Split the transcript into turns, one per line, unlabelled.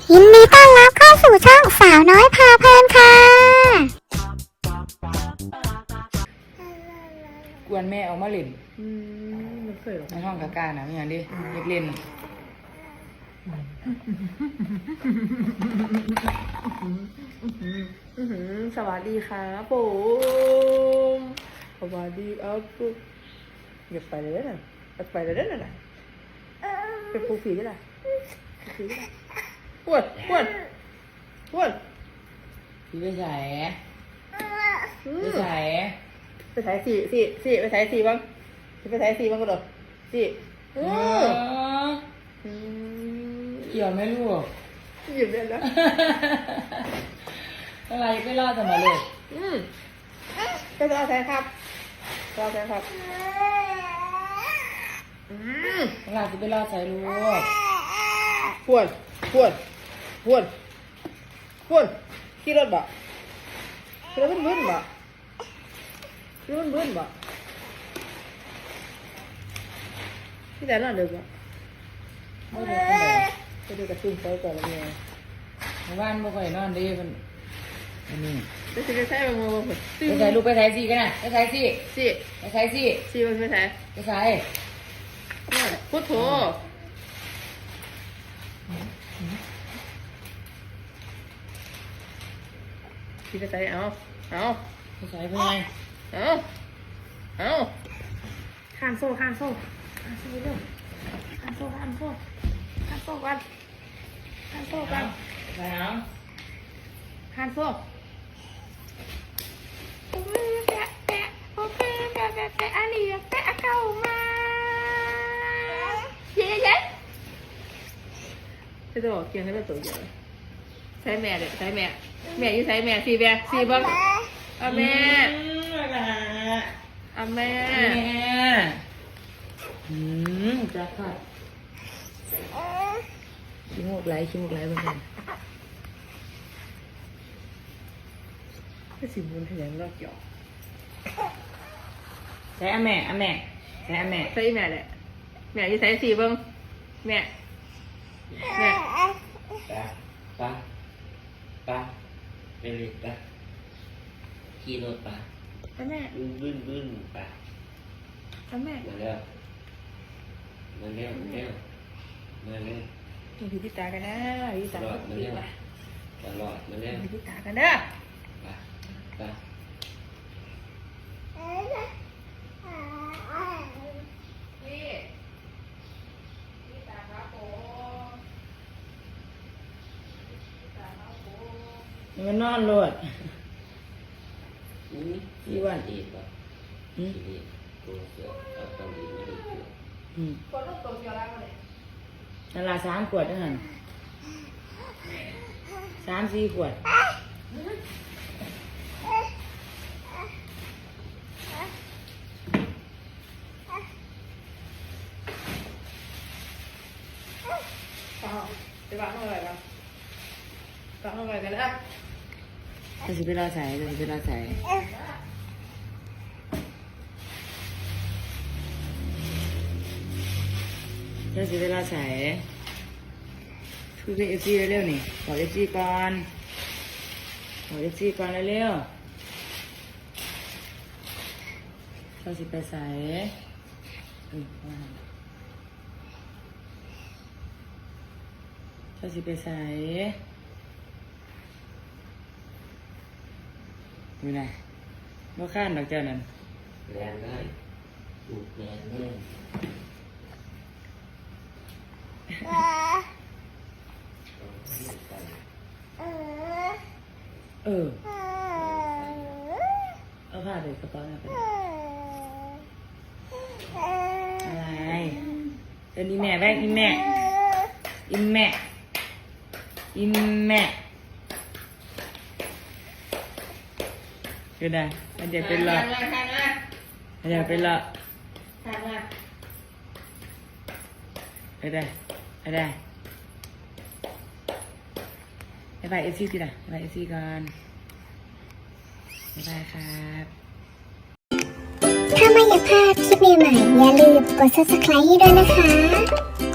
ยินดีต้อนรับเข้าสู่ช่องสาวน้อยพาเพลินค่ะ
กวนแม่เอามาเล่น
มันเคยหรอ
ในห้องกากานะไม่อย่างดิเด็กเล่น
สวัสดีครับผมสวัสดีครับอย่าไปเลยนะอย่าไปเลยนะเป็นปูผีได้ละผีได้ละปวด
พี่ไปใส่ไปใส่
ไปถ่ายสี่ไปถ่ายสี่บ้างไปถ่ายสี่บ้างก็ได้สี่
เกี่ยวไหมลูก
หยิบได้แล้ว
อะไรไม่รอดจะมาเลย
ก็จะเอาแทนครับเอาแทนครับ
อะไรจะไปรอดใส่ลูก
พวนขี่รถบ่ขี่รถบึ้นบ่ขี่รถบึ้นบ่ที่ไหนน่ะเด็กบ่
ไม่ได้ทำไม
ไปดูกระตุ้นไปก่อนแล้วเนี่ย
บ้านไม่ค่อยนอนดีมันนี่
ไปสิไปใช้ไปมือบ่
ไปใส่ลูกไปใส่สิกันนะไปใส่สิ
สี่
ไปใส่สิ
สี่ไปใช้
ไปใส่
พุทโธที่ไปใช้เอา
ไปใส่เพื่อไง
เอาข้ามโซ่เร็วข้ามโซ่กันข้ามโซ่
ไปเอา
ข้ามโซ่แปะโอเคแปะอันนี้แปะเข้ามาเย้จะบอกเกี่ยงให้เป็นตัวเดียวใช้แม่เลยใช้แม่อยู่ใช้แม่สี่บ้างเอาแม่
จะขาดขี้มูกไหลบ้าง
ก็สิบุญแถลงรอบเกี่ยว
ใส่แม่ใส่แม่
ใช้แม่แหละแม่อยู่ใช้สี่บ้างแม่
ป้าไปเลยป้าขี่รถป้า
แม่
บึ้นป้า
แม่
มาเร็ว
ดูที่ตากันนะดูที่ตากันนะ
ตลอดมาเร็ว
ดูที่ตากันนะ
ป้า
มันนอนรถ
ที่วันอีกป่ะที่นี่ตัวเสือเอาตอนนี้ไม่ได้เสือ
คนลูกตัวเดียวแล้วเลย
นั่นละ3 ขวดเท่านั้น3-4 ขวด
ไปบ้านอะไรกันนะ
จะสิไปรอใส่จะไปรอใส่คุยกับเอฟซีเร็วๆนี่ขอเอฟซีก่อนเร็วๆเราสิไปใส่อยู่ไหนบ่ข้านดอกเจ้านั่น
แรงได้ถูกแรงแน่
เอาผ้าเด็กกระเป๋าไปอะไรเป็นอีแม่แม่คือได้มันจะเป็นหลอดไปได้ไปเอฟซีสิล่ะไปเอฟซีก่อนบ๊ายบายครับ
ถ้าไม่อยากพลาดคลิปใหม่ๆอย่าลืมกด subscribe ให้ด้วยนะคะ